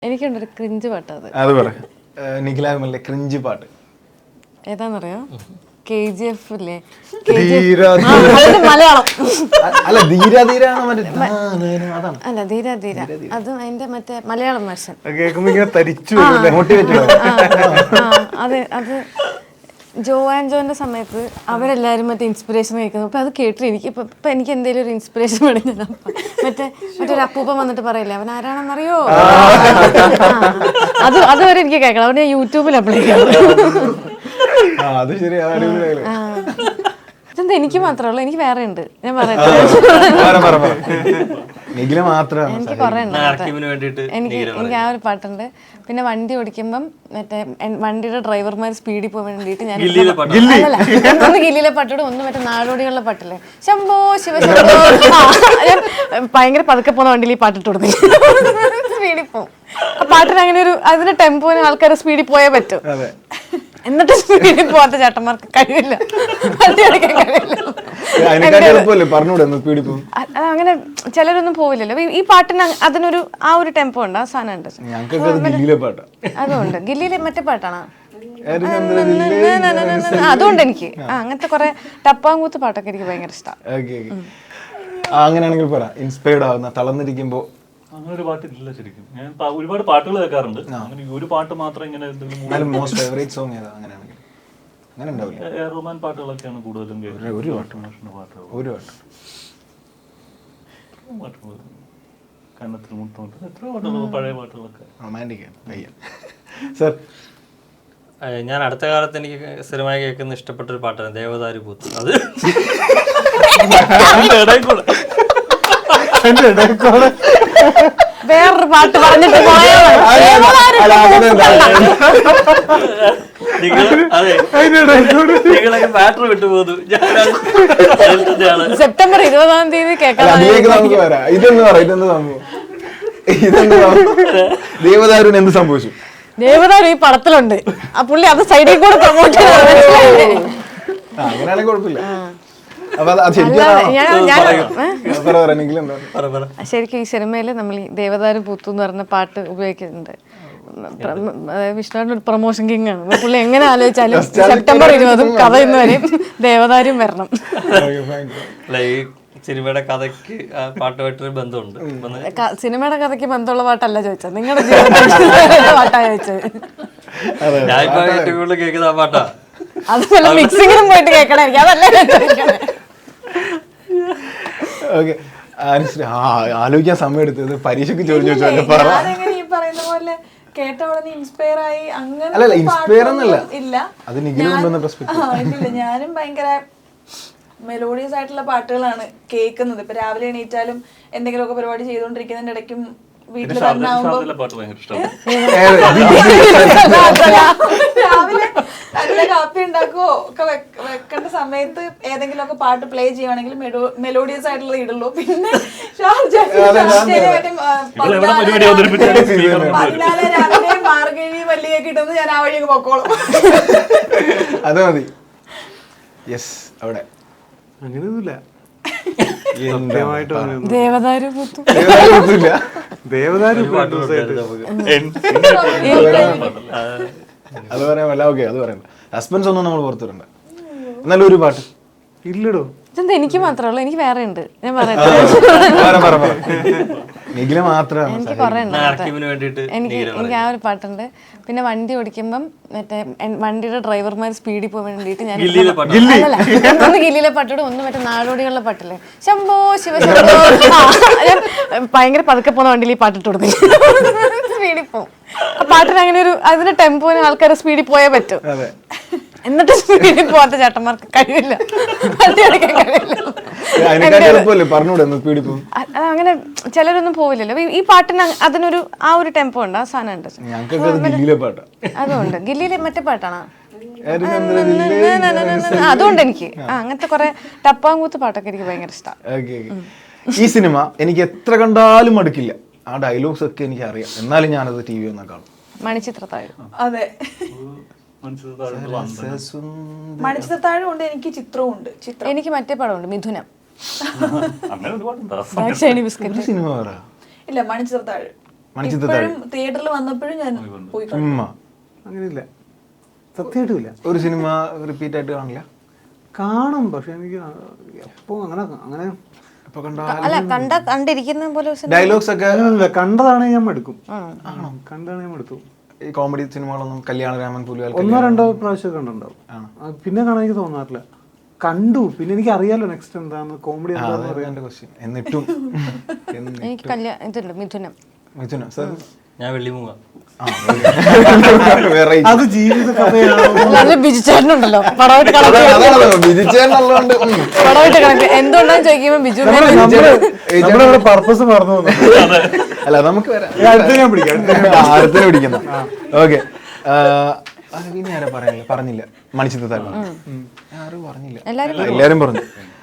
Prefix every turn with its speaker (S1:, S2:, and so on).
S1: എനിക്കുണ്ടൊരു cringe പാട്ട്.
S2: അത് പറ. നിഖിലാമല്ലേ ക്രിഞ്ച് പാട്ട്
S1: ഏതാന്നറിയോ? KGF ഇല്ലേ,
S2: മലയാളം അല്ല ധീര ധീര
S1: അല്ല ധീര ധീര, അതും അതിന്റെ മറ്റേ മലയാളം വേർഷൻ. അതെ, അത് ജോ ആൻഡ് ജോന്റെ സമയത്ത് അവരെല്ലാരും മറ്റേ ഇൻസ്പിറേഷൻ കഴിക്കുന്നു. അപ്പൊ അത് കേട്ടിട്ട് എനിക്ക് ഇപ്പൊ എനിക്ക് എന്തെങ്കിലും ഒരു ഇൻസ്പിറേഷൻ വേണമെങ്കിൽ മറ്റൊരു അപ്പൂപ്പൻ വന്നിട്ട് പറയില്ലേ അവൻ ആരാണെന്നറിയോ, അതുവരെ എനിക്ക് കേൾക്കണം. അവിടെ ഞാൻ യൂട്യൂബിൽ അപ്ലൈ ചെയ്യാം. ഇതെന്താ എനിക്ക് മാത്രമേ ഉള്ളൂ? എനിക്ക് വേറെ ഉണ്ട്, ഞാൻ പറയട്ടെ. എനിക്ക് കുറെ ഉണ്ട്. എനിക്ക് ആ ഒരു പാട്ടുണ്ട്. പിന്നെ വണ്ടി ഓടിക്കുമ്പം മറ്റേ വണ്ടിയുടെ ഡ്രൈവർമാർ സ്പീഡിൽ പോകാൻ വേണ്ടിയിട്ട് ഞാൻ ഒന്ന് ഗില്ലിയിലെ പാട്ടോട് ഒന്ന് മറ്റേ നാടോടികളുടെ പാട്ടില്ലേ, ശംഭോ ശിവശംഭോ, ഞാൻ ഭയങ്കര പതുക്കെ പോകുന്ന വണ്ടിയിൽ ഈ പാട്ടിട്ട് കൊടുത്തു സ്പീഡിൽ പോകും. ആ പാട്ടിന് അങ്ങനെ ഒരു അതിന്റെ ടെമ്പോന് ആൾക്കാർ സ്പീഡിൽ പോയേ പറ്റൂ. എന്നിട്ട് സ്പീഡിൽ പോവാത്ത ചേട്ടന്മാർക്ക് കഴിയില്ല, അങ്ങനെ ചിലരൊന്നും പോവില്ലല്ലോ. ഈ പാട്ടിന് അതിനൊരു ആ ഒരു ടെമ്പോ ഉണ്ട്, ആ സാധനം ഉണ്ട്. അതുകൊണ്ട് ഗില്ലിയിലെ മറ്റേ പാട്ടാണ്. അതുകൊണ്ട് എനിക്ക് അങ്ങനത്തെ കുറെ ടപ്പാങ്കൂത്ത് പാട്ടൊക്കെ എനിക്ക് ഭയങ്കര ഇഷ്ടമാണ്.
S2: അങ്ങനെയാണെങ്കിൽ പറ, ഇൻസ്പയർഡ് ആവുന്ന തളർന്നിരിക്കുമ്പോ.
S3: അങ്ങനെ ഒരു പാട്ടില്ല ശരിക്കും. ഞാൻ ഒരുപാട് പാട്ടുകൾ കേൾക്കാറുണ്ട്. അങ്ങനെ ഒരു പാട്ട് മാത്രം ഇങ്ങനെ
S2: മോസ്റ്റ് ഫേവറേറ്റ് സോങ് ഏതാ? അങ്ങനെയാണെങ്കിൽ അങ്ങനെ ഉണ്ടാവില്ല.
S3: റൊമാൻ പാട്ടുകളൊക്കെയാണ് കൂടുതലും കേൾക്കുന്നത്.
S2: ഒരു പാട്ട്
S3: കന്നത്തിൽ മുത്തോണ്ട് എത്ര പാട്ടുകൾ, പഴയ പാട്ടുകളൊക്കെ
S2: റൊമാൻറ്റിക് ആണ്. സർ,
S4: ഞാൻ അടുത്ത കാലത്ത് എനിക്ക് സ്ഥിരമായി കേൾക്കുന്ന ഇഷ്ടപ്പെട്ട ഒരു പാട്ടാണ് ദേവദാരു പൂത്ത്. അത്
S1: വേറൊരു പാട്ട് പറഞ്ഞിട്ട്
S4: ബാറ്ററി വിട്ടുപോകുന്നു.
S1: സെപ്റ്റംബർ 20 കേൾക്കാം.
S2: ദേവദാരുവിന് എന്ത് സംഭവിച്ചു?
S1: ദേവദാരു ഈ പടത്തിലുണ്ട്. ആ പുള്ളി അത് സൈഡിൽ കൂടെ പ്രൊമോട്ട് ചെയ്ത്
S2: അങ്ങനെയാണെങ്കിൽ കുഴപ്പമില്ല.
S1: ശരിക്കും ഈ സിനിമയില് നമ്മൾ ഈ ദേവദാരു പൂത്തു എന്ന് പറഞ്ഞ പാട്ട് ഉപയോഗിക്കുന്നുണ്ട്. വിഷ്ണുവിന്റെ ഒരു പ്രൊമോഷൻ കിങ് ആണ് പുള്ളി. എങ്ങനെ ആലോചിച്ചാലും സെപ്റ്റംബർ 20 കഥ ഇന്ന് വരെയും ദേവദാരും വരണം.
S4: സിനിമയുടെ കഥയ്ക്ക് പാട്ടുമായിട്ടൊരു ബന്ധമുണ്ട്.
S1: സിനിമയുടെ കഥയ്ക്ക് ബന്ധമുള്ള പാട്ടല്ല ചോദിച്ചത്, നിങ്ങളുടെ ജീവിതത്തിൽ പാട്ടാ ചോദിച്ചത്.
S4: ഞാനിപ്പോ ഏറ്റവും കൂടുതൽ കേൾക്കുന്ന ആ പാട്ടാ.
S1: അതുപോലെ മിക്സിങ്ങിനും പോയിട്ട് കേൾക്കണായിരിക്കും, അതല്ല
S2: ആലോചിക്കാൻ സമയം എടുത്തത്. പരീക്ഷയ്ക്ക് ചോദിച്ചു
S5: പറയുന്ന പോലെ കേട്ട ഉടനെ ഇൻസ്പയർ ആയി അങ്ങനെ
S2: അല്ല ഇൻസ്പയർ എന്നല്ല,
S5: ഇല്ല.
S2: അത് നിഖിലുണ്ടെന്ന
S5: ഇല്ല, ഞാനും ഭയങ്കര മെലോഡിയസ് ആയിട്ടുള്ള പാട്ടുകളാണ് കേൾക്കുന്നത്. ഇപ്പൊ രാവിലെ എണീറ്റാലും എന്തെങ്കിലുമൊക്കെ പരിപാടി ചെയ്തുകൊണ്ടിരിക്കുന്നതിന്റെ ഇടയ്ക്കും വീട്ടിൽ തന്നെ ആവുമ്പോ രാവിലെ നല്ല കാപ്പി ഉണ്ടാക്കുവോ ഒക്കെ വെക്കേണ്ട സമയത്ത് ഏതെങ്കിലും ഒക്കെ പാട്ട് പ്ലേ ചെയ്യുവാണെങ്കിൽ മെലോഡിയസ് ആയിട്ടുള്ളത് ഇടുള്ളൂ. പിന്നെ 14 രാവിലെ മാർഗഴി മല്ലികയൊക്കെ ഇട്ടുന്നത് ഞാൻ ആ വഴി പൊക്കോളും.
S2: അത് മതി. യെസ്, അവിടെ അങ്ങനെയൊന്നുമില്ല.
S1: ദേവദാരു പൂത്തു
S2: അത് പറയാമല്ല. ഓക്കെ, അത് പറയാം. സസ്പെൻസ് ഒന്നും നമ്മൾ പുറത്തുവിടണ്ട. എന്നാലും ഒരു പാട്ട് ഇല്ലടോ.
S1: ഇതെന്താ എനിക്ക് മാത്രമേ ഉള്ളൂ? എനിക്ക് വേറെ ഉണ്ട്, ഞാൻ പറയട്ടെ.
S2: നിഖില മാത്രമാണ്.
S1: എനിക്ക് കുറെ ഉണ്ട്. എനിക്ക് ആ ഒരു പാട്ടുണ്ട്. പിന്നെ വണ്ടി ഓടിക്കുമ്പം മറ്റേ വണ്ടിയുടെ ഡ്രൈവർമാർ സ്പീഡിൽ പോകാൻ വേണ്ടിയിട്ട് ഞാൻ ഒന്ന് ഗില്ലിയിലെ പാട്ടോട് ഒന്ന് മറ്റേ നാടോടികളുടെ പാട്ടില്ലേ, ശംഭോ ശിവശംഭോ, ഞാൻ ഭയങ്കര പതുക്കെ പോകുന്ന വണ്ടിയിൽ ഈ പാട്ടിട്ട് കൊടുത്തു സ്പീഡിൽ പോകും. ആ പാട്ടിന് അങ്ങനെ ഒരു അതിന്റെ ടെമ്പോന് ആൾക്കാർ സ്പീഡിൽ പോയേ പറ്റൂ. എന്നിട്ട് സ്പീഡിൽ പോവാത്ത ചേട്ടന്മാർക്ക് കഴിയില്ല, അങ്ങനെ ചിലരൊന്നും പോവില്ലല്ലോ. ഈ പാട്ടിന് അതിനൊരു ആ ഒരു ടെമ്പോ ഉണ്ട്, ആ സാധനം ഉണ്ട്. അതുകൊണ്ട് ഗില്ലിയിലെ മറ്റേ പാട്ടാണ്. അതുകൊണ്ട് എനിക്ക് അങ്ങനത്തെ കുറെ ടപ്പാങ്കൂത്ത് പാട്ടൊക്കെ എനിക്ക് ഭയങ്കര ഇഷ്ടമാണ്.
S2: ഈ സിനിമ എനിക്ക് എത്ര കണ്ടാലും മടുക്കില്ല. ആ ഡയലോഗ്സ് ഒക്കെ എനിക്ക് അറിയാം, എന്നാലും ഞാനത് TV ഒന്നും കാണും.
S1: മണിച്ചിത്രത്താഴ്.
S5: അതെ, മണിച്ചിത്രത്താഴ് ഉണ്ട്. എനിക്ക് ചിത്രവും ഉണ്ട്.
S1: എനിക്ക് മറ്റേ പടമുണ്ട്, മിഥുനം.
S5: ഇല്ല, മണിച്ചിത്രത്താഴ്
S2: മണിച്ചിത്രത്താഴ്
S5: തിയേറ്ററിൽ വന്നപ്പോഴും ഞാൻ പോയി കണ്ടു.
S2: ഉമ്മ
S6: അങ്ങനെയില്ല, സത്യമായിട്ടും ഇല്ല.
S2: ഒരു സിനിമ റിപ്പീറ്റ് ആയിട്ട് കാണില്ല?
S6: കാണും, പക്ഷെ എനിക്ക് എപ്പോ അങ്ങനെ
S2: ഇപ്പൊ കണ്ട
S1: അല്ല കണ്ടിരിക്കുന്ന പോലെ
S2: ഡയലോഗ്സ് ഒക്കെ
S6: കണ്ടതാണ് ഞാൻ മടുക്കും. കണ്ടാണ് ഞാൻ മടുത്തു.
S2: ഈ കോമഡി സിനിമകളൊന്നും കല്യാണരാമൻ, പുലിവാൽ
S6: 1-2 പ്രാവശ്യം കണ്ടിട്ടുണ്ടാവും. പിന്നെ കാണാൻ എനിക്ക് തോന്നാറില്ല. കണ്ടു, പിന്നെ എനിക്ക് അറിയാലോ നെക്സ്റ്റ് എന്താന്ന്, കോമഡി എന്താന്ന് അറിയാൻ.
S2: ക്വസ്റ്റ്യൻ. എന്നിട്ടും
S1: എനിക്ക് ഇതുണ്ട് മിഥുനം.
S2: മിഥുന സർ
S4: ഞാൻ വെള്ളിമൂങ്ങ.
S6: അത് ജീവിത കഥയാണ്.
S1: നല്ല ബിജുചേട്ടനുണ്ടല്ലോ പടമായിട്ട് കണക്ക്
S2: വിധിച്ചേന്നുള്ളതുകൊണ്ട്
S1: പടമായിട്ട് കണക്ക് എന്തുകൊണ്ടാന്ന് ചോദിക്കുമ്പോ ബിജു
S6: നമ്മുടെ പർപ്പസ് മറന്നു പോകുന്നു.
S2: അല്ല നമുക്ക് വരാം,
S6: അടുത്ത ഞാൻ പിടിക്കാം.
S2: അടുത്തിന് പിടിക്കുന്ന. ഓക്കെ, പിന്നെ ആരാ പറഞ്ഞില്ല? മണിച്ചിത്രത്താഴ് ആരും പറഞ്ഞില്ല, എല്ലാരും പറഞ്ഞു.